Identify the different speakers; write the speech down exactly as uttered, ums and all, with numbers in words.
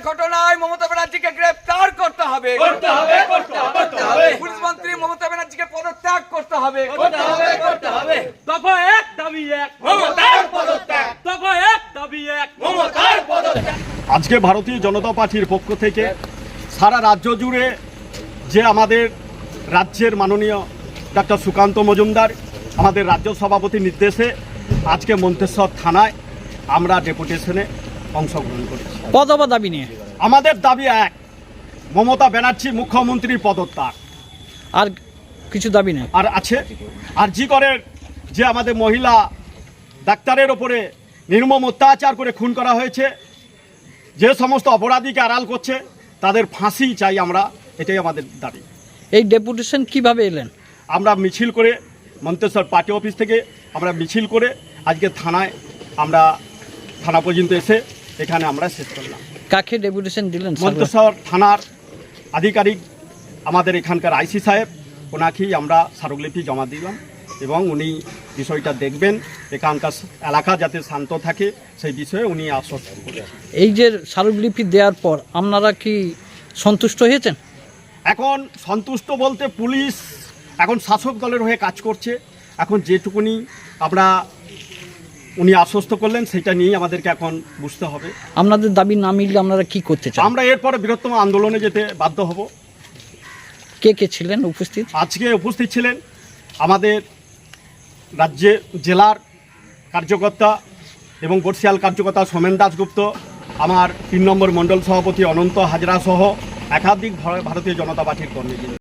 Speaker 1: ঘটনায় মমতা ব্যানার্জিকে গ্রেফতার করতে হবে
Speaker 2: করতে হবে করতে হবে করতে হবে
Speaker 1: পুলিশ মন্ত্রী মমতা ব্যানার্জিকে পদত্যাগ করতে হবে
Speaker 2: করতে হবে করতে হবে
Speaker 3: দফা এক দাবি এক
Speaker 2: মমতার পদত্যাগ
Speaker 3: দফা এক দাবি এক
Speaker 2: মমতার পদত্যাগ।
Speaker 4: আজকে ভারতীয় জনতা পার্টির পক্ষ থেকে সারা রাজ্য জুড়ে যে আমাদের রাজ্যের মাননীয় ডাক্তার সুকান্ত মজুমদার আমাদের রাজ্য সভাপতির নির্দেশে আজকে মন্তেশ্বর থানায় আমরা ডেপুটেশনে অংশগ্রহণ করেছি।
Speaker 3: পদবা দাবি নিয়ে
Speaker 4: আমাদের দাবি এক, মমতা ব্যানার্জি মুখ্যমন্ত্রীর পদত্যাগ।
Speaker 3: আর কিছু দাবি নেই।
Speaker 4: আর আছে আর জি করের যে আমাদের মহিলা ডাক্তারের ওপরে নির্মম অত্যাচার করে খুন করা হয়েছে, যে সমস্ত অপরাধীকে আড়াল করছে তাদের ফাঁসি চাই আমরা, এটাই আমাদের দাবি।
Speaker 3: এই ডেপুটেশন কিভাবে এলেন?
Speaker 4: আমরা মিছিল করে মন্তেশ্বর পার্টি অফিস থেকে আমরা মিছিল করে আজকে থানায় আমরা থানা পর্যন্ত এসে এখানে আমরা শেষ করলাম।
Speaker 3: কাকে ডেপুটেশন দিলেন?
Speaker 4: মন্তেশ্বর থানার আধিকারিক আমাদের এখানকার আইসি সাহেব, ওনাকেই আমরা স্মারকলিপি জমা দিলাম এবং উনি বিষয়টা দেখবেন, এখানকার এলাকা যাতে শান্ত থাকে সেই বিষয়ে উনি আশ্বস্ত করেছেন।
Speaker 3: এই যে স্মারকলিপি দেওয়ার পর আপনারা কি সন্তুষ্ট হয়েছেন?
Speaker 4: এখন সন্তুষ্ট বলতে পুলিশ এখন শাসক দলের হয়ে কাজ করছে, এখন যেটুকুনি আমরা উনি আশ্বস্ত করলেন সেটা নিয়েই আমাদেরকে এখন বুঝতে হবে।
Speaker 3: আপনাদের দাবি না মিললে আপনারা কি করতে চান?
Speaker 4: আমরা এরপরে বৃহত্তম আন্দোলনে যেতে বাধ্য হব।
Speaker 3: কে কে ছিলেন উপস্থিত?
Speaker 4: আজকে উপস্থিত ছিলেন আমাদের রাজ্যে জেলার কার্যকর্তা এবং বর্ষিয়াল কার্যকর্তা সোমেন দাশগুপ্ত, আমার তিন নম্বর মণ্ডল সভাপতি অনন্ত হাজরা সহ একাধিক ভারতীয় জনতা পার্টির কর্মী।